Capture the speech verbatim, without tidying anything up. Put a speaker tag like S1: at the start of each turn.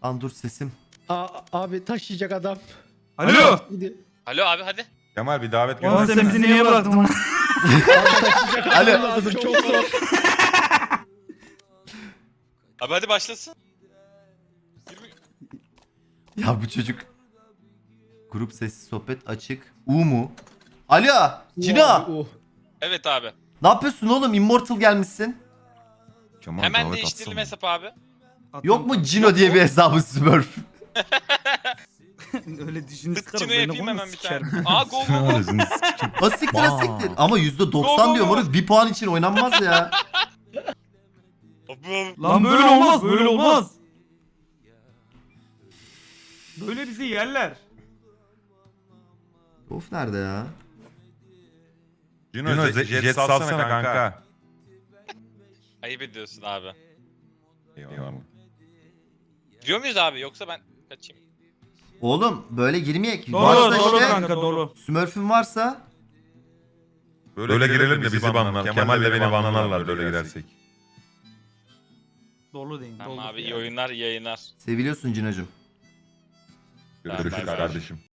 S1: Lan dur sesim.
S2: Aa, abi taşıyacak adam.
S3: Alo.
S2: Gidiyor.
S4: Alo abi hadi.
S5: Kemal bir davet
S3: Oğlum
S5: gönder.
S3: sen bizi niye bıraktın lan?
S2: Abi taşıyacak
S1: Alo.
S2: adam lazım. Çok zor.
S4: Abi hadi başlasın. yirmi
S1: Ya bu çocuk. Grup sessiz sohbet açık. U mu? Alo. Cina.
S2: Uh.
S4: Evet abi.
S1: Ne yapıyorsun oğlum? Immortal gelmişsin.
S5: Kemal,
S4: Hemen
S5: davet
S4: değiştirelim
S5: atsana.
S4: hesap abi.
S1: Yok mu Cino diye bir hesabı Smurf?
S3: Öyle dişini sıkarım.
S4: Tıkçını
S3: beni
S4: yapayım
S3: bunu
S4: hemen bir tane.
S3: sikerim.
S4: Aa go go go.
S5: Ağzını s-
S1: Ha siktir ha siktir. Ama yüzde
S4: Go,
S1: doksan
S4: go,
S1: diyor
S4: go.
S1: moruk. Bir puan için oynanmaz ya.
S4: Abi, abi.
S3: Lan böyle olmaz böyle olmaz. Böyle bizi yerler.
S1: Of nerede ya?
S5: Cino, Jet, jet salsana kanka.
S4: Ayıp ediyorsun abi.
S5: Eyvallah.
S4: Giriyor muyuz abi yoksa ben kaçayım?
S1: Oğlum böyle girmeyek.
S3: Dolu
S1: Varsa
S3: dolu
S1: işte
S3: kanka dolu.
S1: Smurf'ün varsa
S5: Böyle, girelim de bizi banlar. Kemal de beni banlarlar böyle girersek.
S3: Dolu deyin.
S4: Tamam
S3: dolu.
S4: abi iyi oyunlar iyi yayınlar.
S1: seviliyorsun Cino'cum.
S5: Görüşürüz
S4: Bye bye.
S5: kardeşim.